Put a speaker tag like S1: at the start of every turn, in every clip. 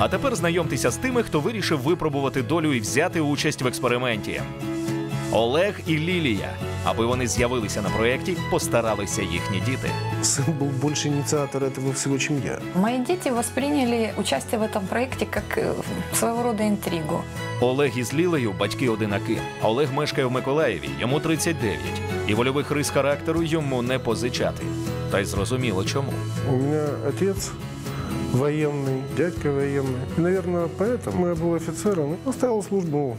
S1: А тепер знайомтеся з тими, хто вирішив випробувати долю і взяти участь в експерименті. Олег і Лілія. Аби вони з'явилися на проєкті, постаралися їхні діти.
S2: Сын был больше инициатор этого всего, чем я.
S3: Мои дети восприняли участие в этом проекте как своего рода интригу.
S1: Олег із Лілею – батьки-одинаки. Олег мешкає в Миколаєві, йому 39. І вольових рис характеру йому не позичати. Та й зрозуміло чому.
S2: У меня отец военный, дядька военный. И, наверное, поэтому я был офицером и оставил службу.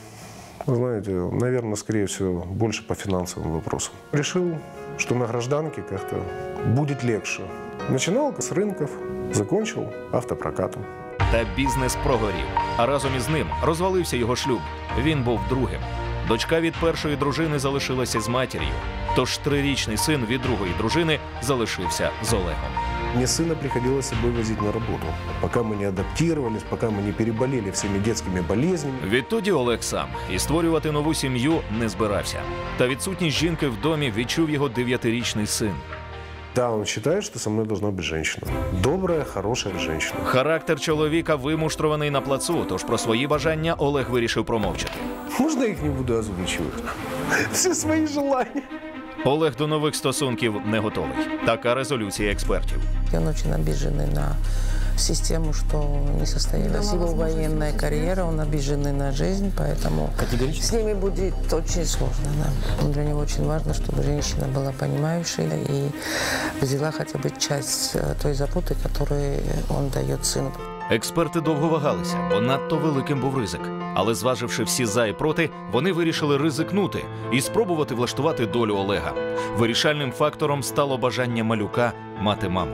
S2: Вы знаете, наверное, скорее всего, больше по финансовым вопросам. Решил, что на гражданке как-то будет легче. Начинал с рынков, закончил автопрокатом.
S1: Та бізнес прогорів. А разом із ним розвалився його шлюб. Він був другим. Дочка від першої дружини залишилася з матір'ю. Тож 3-річний син від другої дружини залишився з Олегом.
S2: Мне сына приходилось с собой возить на работу, пока мы не адаптировались, пока мы не переболели всеми детскими болезнями.
S1: Відтоді Олег сам і створювати нову сім'ю не збирався. Та відсутність жінки в домі відчув його 9-річний син.
S2: Да, он считает, что со мной должна быть женщина. Добрая, хорошая женщина.
S1: Характер чоловіка вимуштрований на плацу, тож про свої бажання Олег вирішив промовчати.
S2: Можно я их не буду озвучивать? Все свои желания.
S1: Олег до нових стосунків не готовий. Така резолюція експертів.
S4: Он очень обиженный на систему, что не состоялась его военная карьера, он обиженный на жизнь, поэтому с ними будет очень сложно. Да. Для него очень важно, чтобы женщина была понимающей и взяла хотя бы часть той заботы, которую он дает сыну.
S1: Експерти довго вагалися, бо надто великим був ризик. Але зваживши всі за і проти, вони вирішили ризикнути і спробувати влаштувати долю Олега. Вирішальним фактором стало бажання малюка мати маму.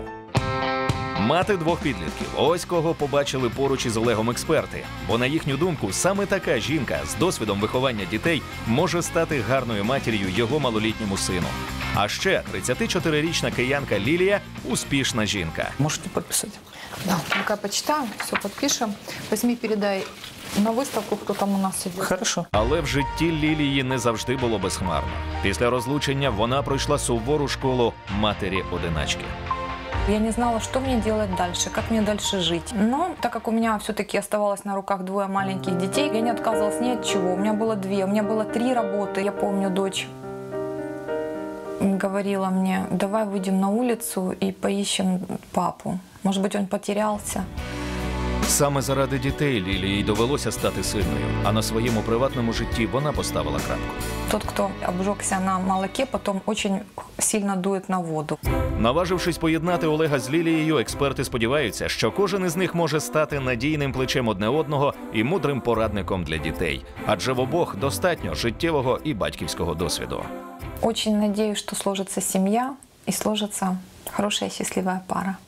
S1: Мати двох підлітків – ось кого побачили поруч із Олегом експерти. Бо, на їхню думку, саме така жінка з досвідом виховання дітей може стати гарною матір'ю його малолітньому сину. А ще 34-річна киянка Лілія – успішна жінка.
S5: Можете подписать?
S3: Да, пока почитаем, все подпишем. Возьми, передай на выставку, кто там у нас идет.
S5: Хорошо.
S1: Але в житті Лілії не завжди було безхмарно. Після розлучення вона пройшла сувору школу матері-одиначки.
S3: Я не знала, что мне делать дальше, как мне дальше жить. Но так как у меня все-таки оставалось на руках 2 маленьких детей, я не отказывалась ни от чего. У меня было 2, у меня было 3 работы. Я помню, дочь говорила мне: давай выйдем на улицу и поищем папу. Может быть, он потерялся.
S1: Саме заради дітей Лілії довелося стати сильною, а на своєму приватному житті вона поставила крапку.
S3: Тот, кто обжегся на молоке, потом очень сильно дует на воду.
S1: Наважившись поєднати Олега з Лілією, експерти сподіваються, що кожен із них може стати надійним плечем одне одного і мудрим порадником для дітей. Адже в обох достатньо життєвого і батьківського досвіду.
S3: Очень надеюсь, что сложится семья и сложится хорошая счастливая пара.